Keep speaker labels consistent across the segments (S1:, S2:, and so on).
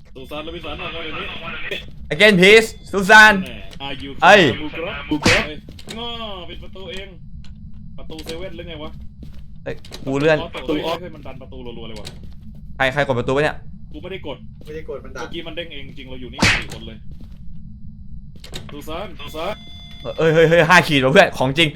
S1: สุสานเราพิสานออกมาเดี๋ยวนี้
S2: again please ซูซาน
S1: อายุ
S2: เอ้ย
S1: บูกรอบง้อปิดประตูเองประตูเซเว่นหรือไงวะ
S2: เอ้ยกูเลื่อน
S1: ประตูออฟให้มันดันประตูรัวๆเลยวะ
S2: ใครกดประตูวะเนี่ย
S1: กูไม่ได้กด
S3: มันดั
S1: เมื่
S3: บ
S1: อกี้มันเด้งเองจริงเราอยู่นี่4 คนเลยสุสาน
S2: เฮ้ย5 ขีดว่ะเพื่อนของจริง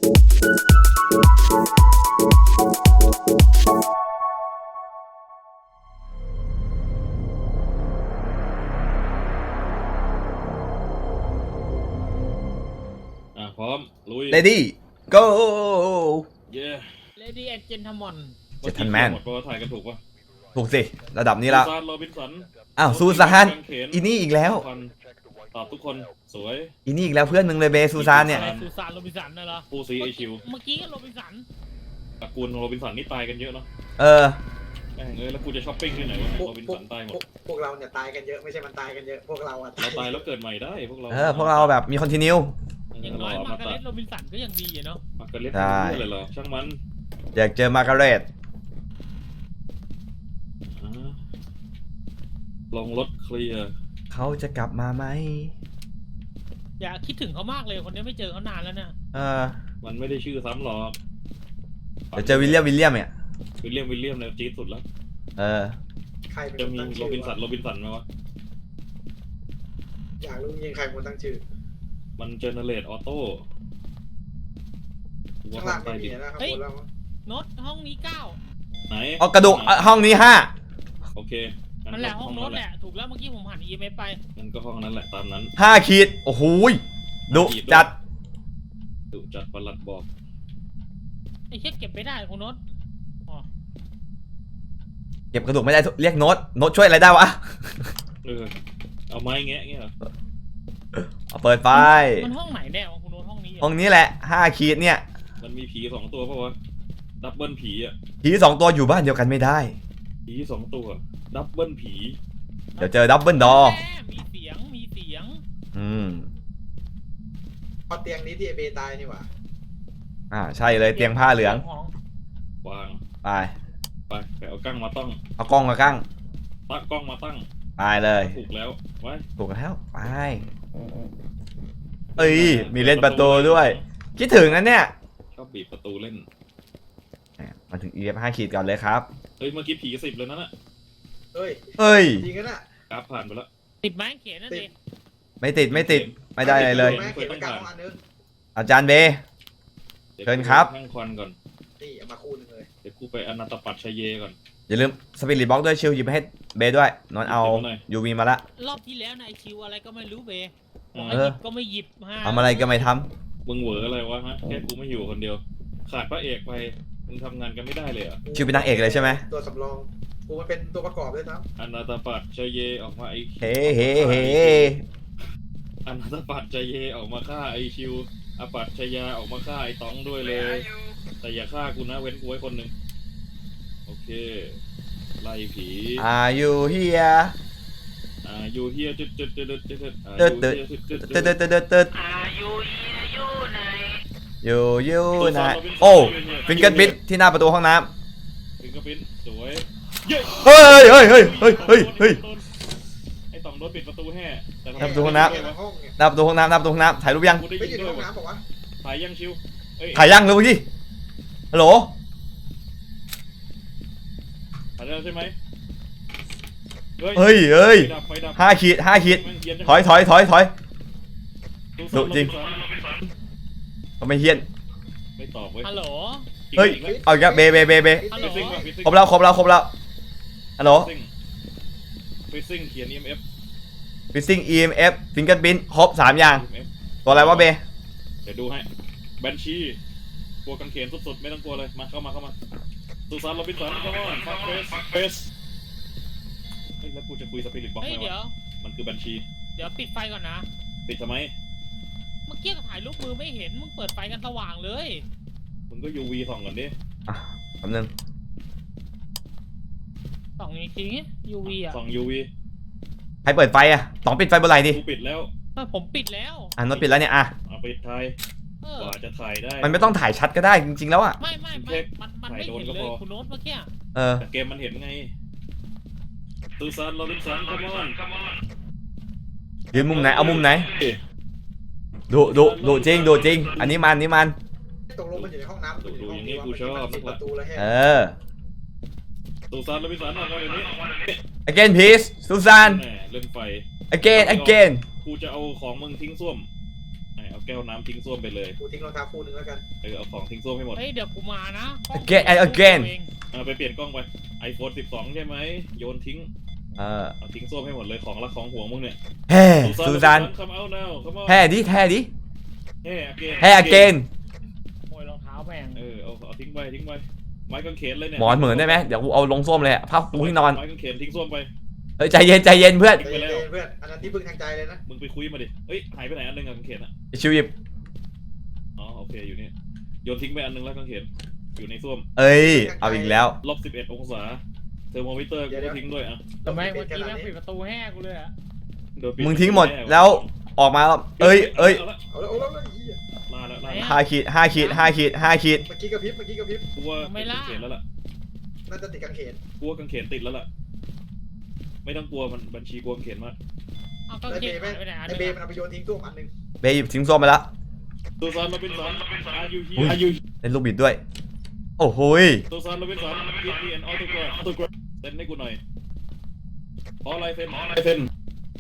S1: พร้อมลุย
S2: ready go
S1: เย้
S4: Lady and Gentleman
S2: Gentleman
S1: หมดเพราะว่าถ่ายกันถูกปะ
S2: ถูกสิระดับนี้ละ
S1: สุสานโรบินสัน
S2: อ้าวซูซานอีนี่อีกแล้ว
S1: ตอบทุกคนสวย
S2: อีนี่อีกแล้วเพื่อนมึงเลยเบซูซานเนี่ย
S4: อะไรซูซานโรบินสันน่ะเหรอ
S1: ผู้ซีไอคิว
S4: เมื่อกี้ก็โรบินสัน
S1: ตระกูลโรบินสันนี่ตายกันเยอะเนาะ
S2: เออ
S1: แม่งแล้วกูจะช้อปปิ้งที่ไหนวะโรบินสันตายหมด
S3: พวกเราเนี่ยตายกันเยอะไม่ใช่มันตายกันเยอะพวกเราอะ
S1: เราตายแล้วเกิดใหม่ได้พวกเรา
S2: พวกเราแบบมีคอนติเนีย
S4: อย่างน้อยมาการ์เล็ตโรบินสันก็ยังดีอะเนาะ
S1: มาร์กาเร็ต
S2: ใช่
S1: เลยเหรอช่างมัน
S2: อยากเจอมาร์การ์เร็ต
S1: ลงรถเคลียร์
S2: เขาจะกลับมาไหม
S4: อย่าคิดถึงเขามากเลยคนนี้ไม่เจอเขานานแล้วเนี่ย
S1: มันไม่ได้ชื่อซ้ำหรอก
S2: เดี๋ยวเจอวิลเลียมเนี่ย
S1: วิลเลียมเนี่ยจี๊ดสุดแล้ว
S3: ใครเป็น
S1: จะ
S3: คน
S1: มี
S3: ตั้ง
S1: โร
S3: ชื่อ
S1: บินสันไหมวะ
S3: อยากรู้ยิงใครเป็นคนตั้งชื่อ
S1: มันเจเนเรตออโต้
S3: ข้างล่างไม่มีนะข้างบนแล้ว
S4: โน้ตห้องนี้9
S1: ไหน
S2: เอากระดูกห้องนี้
S1: โอเค
S4: นั่นแหละห้องโน้ตแหละถูกแล้วเมื่อกี้ผมหัน EMF ไป
S1: นั่นก็ห้องนั้นแหละตามนั้น
S2: 5 ขีดโอ้โหดุจัด
S1: ดุจัดประหลัดบอก
S4: ไอ้เช็คเก็บไม่ได้คุณโน้ตอ๋อ
S2: เก็บกระดูกไม่ได้เรียกโน้ตช่วยอะไรได้วะ
S1: เอาไม้แงะเงี้ยเหรอ
S2: เอาเปิดไฟ
S4: มันห้องไหนแน่วะคุณโน้ตห้องนี้
S2: ห้องนี้แหละ5 ขีดเนี่ย
S1: มันมีผี2 ตัวป่าวะดับเบิลผีอ่ะ
S2: ผี2 ตัวอยู่บ้านเดียวกันไม่ได้
S1: ผี2 ตัวดับเบิลผี
S2: เดี๋ยวเจอดับเบิลดอ
S4: มีเสียง
S3: พอเตียงนี้ที่เบตายนี่หว่า
S2: ใช่เลยเตียงผ้าเหลือง
S1: วาง
S2: ไป
S1: ไปเอากั้งมาตั้ง
S2: เอากล้องมากั้ง
S1: ตั้งกล้องมาตั้ง
S2: ไปเลย
S1: ถูกแล้วไว้
S2: ถูกแล้วไปเอ้ยมีเล่นประตูด้วยคิดถึงนะเนี่ย
S1: ชอบบีบประตูเล่น
S2: มาถึง EF 5 ขีดก่อนเลยครับ
S1: เฮ้ยเมื่อกี้ผี10เลยนั่นน่ะ
S3: เฮ้ย
S2: เฮ้ย
S3: จริงกันน่ะ
S1: กราฟผ่านไปแล้ว
S4: ติดไม้เขียนนั่นเอง
S2: ไม่ติดไม่ได้อะไรเลย
S3: แม่เขียนประกาศของอันนึง
S2: อาจารย์เบ เชิญครับ
S1: นั่งควันก่อน
S3: นี่เอามาคู่นึงเลย
S1: เดี๋ยวกูไปอนันตปัตชัยเยก่อน
S2: อย่าลืมสปิริตบ็อกด้วยชิลหยิบไปให้เบด้วยนอนเอา
S1: หยิบไปหน่อย
S2: ยูวีมาละ
S4: รอบที่แล้วนายชิวอะไรก็ไม่รู้เบย์
S1: อืม
S4: หยิบก็ไม่หยิบฮะ
S2: ทำอะไรก็ไม่ท
S1: มึงเหวออะไรวะฮะแค่กูไม่อยู่คนเดียว ขาดพระเอกไปมึงทำงานกันไม่ได้เลยเหรอ่ะ
S2: ำชิลเป็นนางเอกเลยใช่ไหม
S3: ตัวสำรองกูมันเป็นตัวประกอบด้วยนะ
S1: อนันตปัตชัยเยออกมาไอ้
S2: เฮ้เฮ้เฮ้
S1: อนันตปัตชัยเยออกมาฆ่าไอ้ชิวอปัตชยาออกมาฆ่าไอ้ต๋องด้วยเลย แต่อย่าฆ่ากูนะเว้นกูไว้คนหนึ่งโอเคไล่ผี
S2: Are you here
S1: อยู่เฮียจุด
S2: ตึ๊ดตึ๊ดตึ๊ดตึ๊ด อยู่ไหนโอ้ฟิงเกิลบิทที่หน้าประตูห้องน้
S1: ฟิงเกอร์พิ้นสวยเย้
S2: ำเฮ้ย
S1: ไอ้ต๋องโดนปิดประตูแห่แต่
S2: ทำประตูห้องน้
S3: เขียนในห้องเนี่ย
S2: หน้าประตูห้องน้ำถ่ายรูปยัง
S1: กูได้
S3: ไม่
S1: ยิ
S3: อน ยู่ใน
S1: ด้วย
S3: ห้องน้ำบอกว่า
S1: ถ่ายยังชิวเอ้ย
S2: ถ่ายยังเลยเมื่อกี้ฮัลโหล
S1: ถ่ายแล้วใช่ไหม
S2: เฮ้ย
S1: ไฟดับ
S2: 5 ขีด
S1: แม่งเหี้นจัง
S2: ถอย
S1: ตู้
S2: ดุจริง
S1: ซ่อม
S2: ทำไมเฮี้ยน
S1: ไม่ตอบเว้ย
S4: ฮัลโหล
S2: เฮ้ย เอาอีกแล้วเบ
S4: ฮัลโหล
S2: ครบแล้วฮัลโหล
S1: ฟิซซิ่งเขียน EMF
S2: Fishing EMF ฟิงเกิลบิทครบ3อย่าง
S1: EMF
S2: ตัวอะไรวะเบ
S1: เดี๋ยวดูให้แบนชีกลัวกังเขนสุดๆไม่ต้องกลัวเลยมาเข้ามาสุสานโรบินสันเข้ามาฟักเฟสเฮ้ยแล้วกูจะคุยสปิริตบ็อก
S4: เฮ้ย
S1: ไหม
S4: เดี๋ยว
S1: ะมันคือแบนชี
S4: เดี๋ยวปิดไฟก่อนนะ
S1: ปิดทำไม
S4: เมื่อกี้ถ่ายรูปมือไม่เห็นมึงเปิดไฟกันสว่างเลย
S1: มึงก็ UV ส่องก่อนดิ
S2: แป๊บนึง
S4: ส่องอีกที UV อ่ะ
S1: ส่อง UV
S2: ใครเปิดไฟอ่ะต้องปิดไฟบนไหล่ดิ
S1: กูปิดแล้ว
S4: ผมปิดแล้ว
S2: โน้ตปิดแล้วเนี่ย
S1: เอาปิดถ่าย
S4: เออก
S1: ว่าจะถ่ายได้
S2: มันไม่ต้องถ่ายชัดก็ได้จริงๆแล้วอ่ะ
S4: ไม่มันไม่เห็นเลยคุณโน้ตเมื่อกี้
S2: เออ
S1: แต่เกมมันเห็นไงซูซานโรบินสันคัมออน
S2: ยืนมุมไหนเอามุมไหนดูจริงดูจริงอันนี้มันนี่มัน
S3: ตกลงมันอยู่ในห้องน้ำ
S1: ดูอย่างนี้กูชอบ
S3: ปิดประตูแล้วแฮะ
S2: เออ
S1: ซูซานโรบินสันออกมาเดี๋ยวนี้
S2: again please ซูซาน
S1: แหม่เล่นไฟ
S2: again
S1: กูจะเอาของมึงทิ้งส้วมเอาแก้วน้ำทิ้งส้วมไปเลย
S3: กูทิ้งรองเท้าคู่หนึงแล้วกัน
S1: เอาของทิ้งส้วมให้หมด
S4: เฮ้ยเดี๋ยวกูมานะ
S2: again
S1: เอาไปเปลี่ยนกล้องไป iPhone 12 ใช่ไหมโยนทิ้ง เอาทิ้งส้วมให้หมดเลยของรักของห่วงมึงเนี่ย
S2: เฮ้ซูซาน
S1: come out now come on
S2: แห่ดิ
S1: เฮ้
S2: again
S4: โมยรองเท้าแม่ง
S1: เอาทิ้งไปไม้กางเขนเลยเนี่ย
S2: หมอนเหมือนได้ไหมเดี๋ยวกูเอาลงส้วมเลยผ้าปูที่นอน
S1: ไม้กางเขนทิ้งส้วมไป
S2: เฮ้ยใจเย็นเพื่อน
S3: ใจเย็นๆเพื่อนอันนั้นที่พึ่งทางใจเลยนะ
S1: มึงไปคุยมาดิเฮ้ยหายไปไหนอันนึงอะกางเขนอะ
S2: ชิวหยิบ
S1: อ๋อโอเคอยู่นี่โยนทิ้งไปอันนึงแล้วกางเขนอยู่ในส้วม
S2: เอ้ยเอาอีกแล้ว
S1: -11 องศาเทอร์โมมิเตอร์กูก็ทิ้งด้วยอ่ะ
S4: แต่แม่งเมื่อกี้แม่งปิดประตูแห้กูเลยอะ
S1: โดนปิด
S2: มึงทิ้งหมดแล้วออกมาแล้วเอ้ย
S1: เอาละ
S3: เอาแล้วเหี้ย
S1: ล่าแล้ว
S2: 5 ขีด
S3: เมื่อกี้กระพริบ
S1: กูว่าติดกางเขนแล้วล่ะ
S3: น่าจะติดกางเขน
S1: กูว่ากางเขนติดแล้วล่ะไม่ต้องกลัวมันบัญชีกลัวกางเขนมาก
S4: เอาก็
S3: ไอ
S4: เก็
S3: เบบ ย์แม่ง
S4: ไปไหนอัน
S3: ไอเบ
S4: นี้
S3: ย์มันเอาไปโยนทิ้งตู้อันหนึง
S2: เบย์หยิบทิ้งส้วมไปแล้ว
S1: ซูซานโรบินสัน are you
S2: อุ้ย
S1: here are you
S2: เล่นลูกบิดด้วยโอ้โหย
S1: ซูซานโรบินสัน give me an autograph เซ็นให้กูหน่อยขอลายเซ็น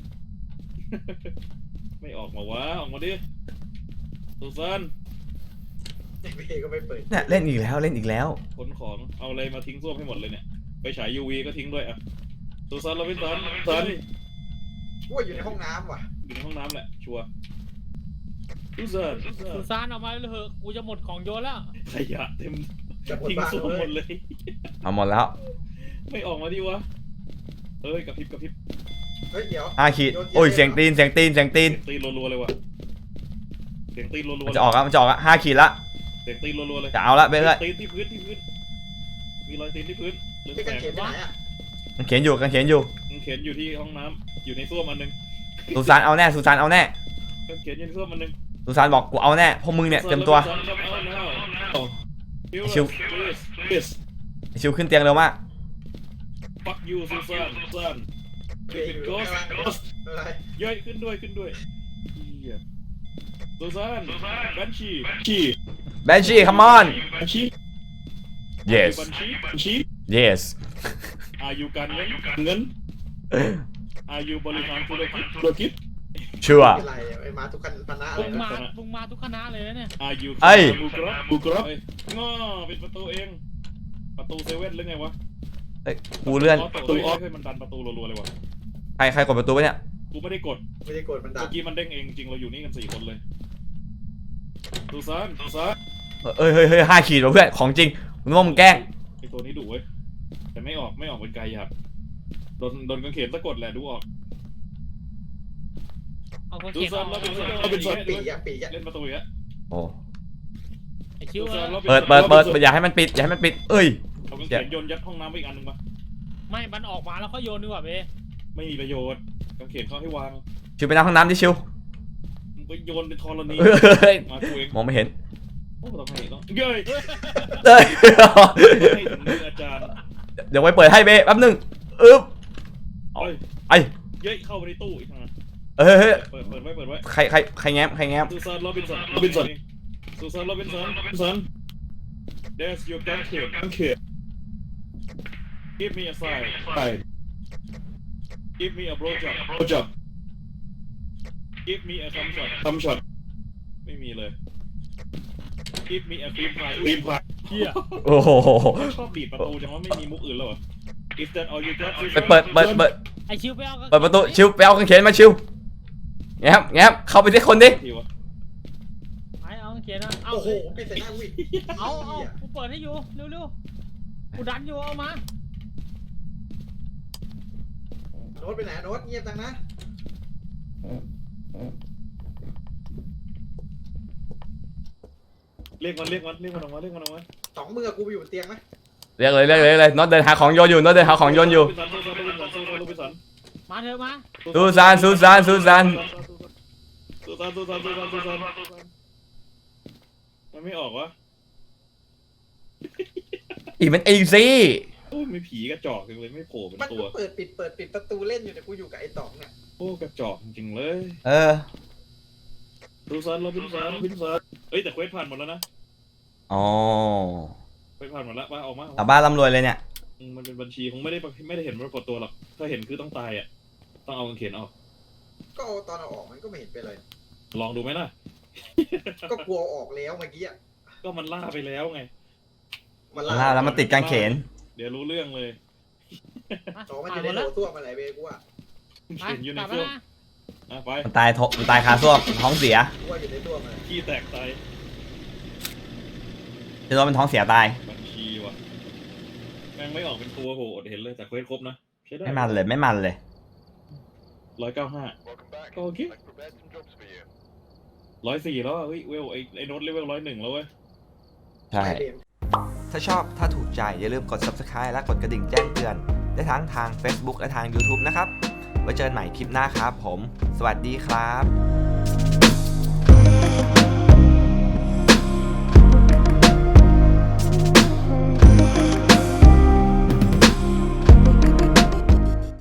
S1: ไม่ออกมาวะออกมาดิซูซาน
S3: ไอเบย์ก็ไม่เปิด
S2: เนี่ยเล่นอีกแล้ว
S1: ขนของเอาอะไรมาทิ้งส้วมให้หมดเลยเนี่ยไปฉาย UV ก็ทิ้งด้วยอ่ะซูซานโรบินสัน
S3: ว่าอยู่ในห้องน้ำว่ะ
S1: อยู่ในห้องน้ำแหละชัวร์ซูซาน
S4: สุสานออกมาเลยเหอะกูจะหมดของโยนแล้ว
S1: ขยะเต็ม
S3: จะหมด
S1: ทิ้ง
S3: บ้าน
S1: ส้วม
S3: เล
S1: หม
S3: ย
S1: ดเลย
S2: เอาหมดแล้ว
S1: ไม่ออกมาดิวะเอ้ยกระพริบ
S3: เฮ้ยเดี๋ยว
S2: 5 ขีดโอ้ยเสียงตีน
S1: เสียงตีนรัวๆเลยว่ะเสียงตีนรัวๆ
S2: มันจะออกแล้ว5 ขีดละ
S1: เสียงตีนรัวๆเลย
S2: จะเอาละเบย์เลย
S1: ตีนที่พื้นมีรอยตีนที่พื้นหรือ
S3: พี่
S1: แส
S3: กาง
S1: ง
S3: เขนไปไหนอ่ะ
S2: มันเขียนอยู่
S1: มันเขียนอยู่ที่ห้องน้ำอยู่ในส้วมอันนึง
S2: ซูซานเอาแน่
S1: มันเขียนอยู่ในส้วมอันนึง
S2: ซูซานบอกกูเอาแน่พวกมึงเนี่ยเต็มตัว ชิว ชิวขึ้นเตียงเร็วมาก
S1: fuck you ซูซาน
S3: เบย์อยู่ข้างล่างอะไร
S1: เย้ยขึ้นด้วยเหี้ยซูซานบัญชี
S2: Banshee come on yes
S1: บัญชี
S2: yes
S1: อายุการเงินอายุบริหารธุรกิจ
S2: ชัวร์
S3: เป็นไรไอ้มาทุกคันปนะอะไร
S4: มึง
S3: นะ
S4: มาทุกคณะเลยนะเนี่ย
S1: อายุ
S2: เอ้ย
S1: บูกรอบง้อเป็นประตูเองประตูเซเว่นหรือไงวะ
S2: เอ้ยกูเลื่อน
S1: ประตูออฟให้มันดันประตูรัวๆเลยวะ
S2: ใครกดประตูไปเนี่ย
S1: กูไม่ได้กด
S3: ไม่ได้กดมันดั
S1: เมื่
S3: บ
S1: อกี้มันเด้งเองจริงเราอยู่นี่กัน4 คนเลยซูซาน
S2: เฮ้ย5 ขีดว่ะเพื่อนของจริงมึงว่ามึงแกล้ง
S1: ไอตัวนี้ดุเว้ยแต่ไม่ออกเป็นไกลครับโดนกางเขนสะกดแหละดูออก
S4: เอาก็
S1: ซู
S4: เก็บ
S1: ซาน
S4: เอา
S1: เราเป็นซอน
S3: ปีกอะปีกอะ
S1: เล่นประตูอีกแล้ว
S2: โอ้
S4: ไอคิว
S1: ซูซาน
S2: เปิดอย่าให้มันปิดเอ้ย
S1: เอากางเขนโยนยัดห้องน้ำไปอีกอันนึงปะ
S4: ไม่มันออกมาแล้วก็โยนดีกว่าเบ้
S1: ไม่มีประโยชน์กางเขนเขาให้วาง
S2: ชิวไปนั่งห้องน้ำดิชิว
S1: มึงไปโยนเป็นธรณี
S2: เฮ้ย
S1: มากูเอง
S2: มองไม่เห็น
S1: โอ้ต้องให้ต้องเย้ย
S2: เอ้ย
S1: ให้ถึงมืออาจารย์
S2: เดี๋ยวไว้เปิดให้เบ้แป๊บนึงอึ๊บ
S1: เอ้ย
S2: ไอ้
S1: เย้ยเข้าไปในตู้อีกทาง
S2: เฮ้ย
S1: เปิดไว้
S2: ใครแง้ม
S1: ซูซานโรบินสันซูซานโรบินสัน There's your gun kit Give me a sign Give me a blowjob Give me a thumb shot ไม่มีเลย Give me a cream pie
S4: เฮีย
S2: โอ้โห
S1: ชอบบีบประตูจังว่าไม่มีมุกอื่นแล้วเหรอ If that all you got
S2: เปิด
S4: ไอชิวไปเอา
S2: เปิดประตูชิวไปเอากางเขนมาชิวแง้มเข้าไปที่คนดิ
S1: ทีวะ
S4: ไอเอาเขียนนะเอา
S3: โอ้โหปิดใส่หน้าวิ
S4: เอากูเปิดให้อยู่เร็วกูดันอยู่เอามา
S3: โน้ตไปไหนโน้ตเงียบจังนะ
S1: เรียกมันออกมา
S3: สองมือกูไปอยู่บนเตียงไหม
S2: เรียกเลยน็อตเดินหาของโยนอยู่
S4: มาเถอะมา
S2: ซูซาน
S1: มันไม่ออกวะ
S2: อีมันอีซี่
S1: โอ้ยไม่ผีกระจอกจังเลยไม่โผล่เป็น
S3: มัน
S1: ตั
S3: ก็
S1: ว
S3: เปิดปิดประตูเล่นอยู่เนี่ยกูอยู่กับไอ้ต๋องเนี่ย
S1: โอ้กระจอกจริงๆเลย
S2: เออ
S1: ดูซันเราพิมซันเอ้ยแต่เควสผ่านหมดแล้วนะ
S2: อ๋อ
S1: เควสผ่านหมดแล้วมาออกมา
S2: ชาวบ้านร่ำรวยเลยเนี่ย
S1: มันเป็นบัญชีคงไม่ได้เห็นปรากฏตัวหรอกถ้าเห็นคือต้องตายอ่ะต้องเอากางเขนออก
S3: ก็เอาตอนเอาออกมันก็ไม่เห็นเป็นไร
S1: ลองดูไหมล่ะ
S3: ก็กลัวเอาออกแล้วเมื่อกี้อะ
S1: ก็มันล่าไปแล้วไง
S3: มัน
S2: ล่าแล้วมันติดกางเขน
S1: เดี๋ยวรู้เรื่องเลย
S3: อ๋อมันอยู่ในโถส้วมอะไรเว้ยกูว่า
S4: ไป
S1: เห็นอยู่ใน
S4: กลับ
S1: ส้ว
S4: มาม
S1: ไป
S2: มันตายคาส้วมท้องเสีย
S3: กูว่าอยู่ในส้วมอะไร
S1: ขี้แตกตาย
S2: จะโดนเป็นท้องเสียตาย
S1: บัญชีว่ะแม่งไม่ออกเป็นตัวโหอดเห็นเลยแต่เควสครบนะใช้ได้
S2: ไม่มันเลย
S1: 195ก็โอเค104แล้วอะเฮ้ยเวลไอ้โน้ตเลเวล101แล้วเว้ย
S2: ใช่ ถ้าชอบถ้าถูกใจอย่าลืมกด subscribe และกดกระดิ่งแจ้งเตือน ได้ทั้งทาง Facebook และทาง YouTube นะครับ ไว้เจอกันใหม่คลิปหน้าครับผม สวัสดีครับ